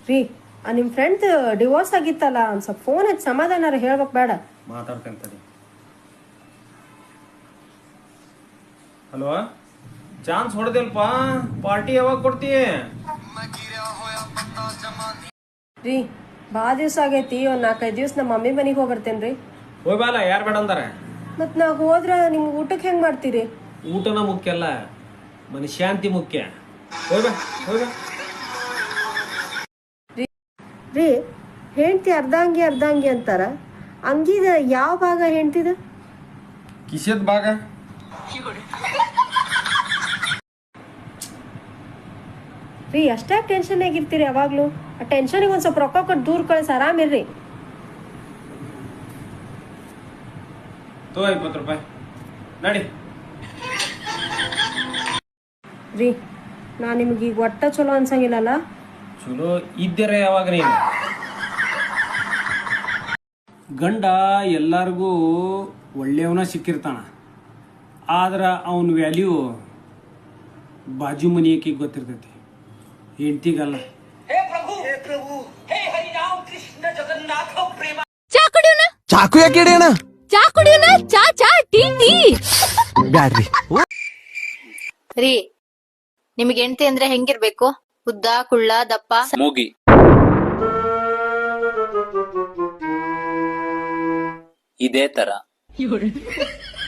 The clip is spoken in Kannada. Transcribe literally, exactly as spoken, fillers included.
ರೀ ನಿಮ್ಮ ಫ್ರೆಂಡ್ ಡಿವೋರ್ಸ್ ಆಗಿತ್ತಲ್ಲ ಒಂದು ಸ್ವಲ್ಪ ಫೋನ್ ಹಚ್ಚಿ ಸಮಾಧಾನ ಹೇಳ್ಬೇಕು ಬೇಡ. ಮಾತಾಡ್ತೇನೆ. ಹಲೋ, ಚಾನ್ಸ್ ಹೊಡೆದಿಲ್ಪ, ಪಾರ್ಟಿ ಯಾವಾಗ ಕೊಡ್ತೀಯ? ರೀ ಭಾಳ ದಿವ್ಸ ಆಗೈತಿ, ಒಂದು ನಾಲ್ಕೈದು ದಿವ್ಸ ನಮ್ಮ ಮಮ್ಮಿ ಮನೆಗೆ ಹೋಗಿ ಬರ್ತೇನೆ ರೀ. ಹೋಯ್ ಬಾಲ, ಯಾರು ಬೇಡ ಅಂದಾರ? ಮತ್ತು ನಾವು ಹೋದ್ರೆ ನಿಮ್ಗೆ ಊಟಕ್ಕೆ ಹೆಂಗೆ ಮಾಡ್ತೀರಿ? ಊಟನ ಮುಖ್ಯ ಅಲ್ಲ, ಮನಶಾಂತಿ ಮುಖ್ಯ. ಹೋಯ್ ಬಾ ಹೋಯ್ ಬಾ. ರೀ ಹೆಂಡ್ತಿ ಅರ್ಧ ಅಂಗಿ ಅರ್ಧ ಅಂಗಿ ಅಂತಾರ, ಅಂಗಿದ ಯಾವ ಭಾಗ ಹೆಂಡ್ತಿದ? ಕಿಸೆದ ಭಾಗ. ರೀ ಅಷ್ಟೇ ಟೆನ್ಷನ್ ಆಗಿರ್ತೀರಿ ಯಾವಾಗ್ಲೂ? ಆ ಟೆನ್ಷನಿಗೆ ಒಂದು ಸ್ವಲ್ಪ ರೊಕ್ಕ ಕೊಟ್ಟು ದೂರ ಕಳಿಸಿ ಆರಾಮಿರ್ರಿ. ತೋ ಇಪ್ಪತ್ತು ರೂಪಾಯಿ ನಡಿ. ರೀ ನಾ ನಿಮ್ಗೆ ಈಗ ಒಟ್ಟ ಚಲೋ ಅನ್ಸಂಗಿಲ್ಲಲ್ಲ? ಚಲೋ ಇದ್ದೀರ ಯಾವಾಗ ನೀನು? ಗಂಡ ಎಲ್ಲರಿಗೂ ಒಳ್ಳೆಯವನ ಸಿಕ್ಕಿರ್ತಾನ, ಆದ್ರೆ ಅವನ ವ್ಯಾಲ್ಯೂ ಬಾಜು ಮನೆಯಕ್ಕೆ ಗೊತ್ತಿರ್ತೈತಿ, ಹೆಂಡ್ತಿಗಲ್ಲ. ಚಾಕು ಯಾಕೆ ಹಿಡಿಯೋಣ? ಚಾ ಕುಡಿಯೋಣ? ಚಾ ಚಾ ಟೀ ಟೀ ಬ್ಯಾಡ್ರಿ. ರೀ ನಿಮಗೆ ಹೆಂಡತಿ ಅಂದ್ರೆ ಹೆಂಗಿರ್ಬೇಕು? ಉದ್ದ, ಕುಳ್ಳ, ದಪ್ಪ? ಮೂಗಿ. ಇದೇ ತರ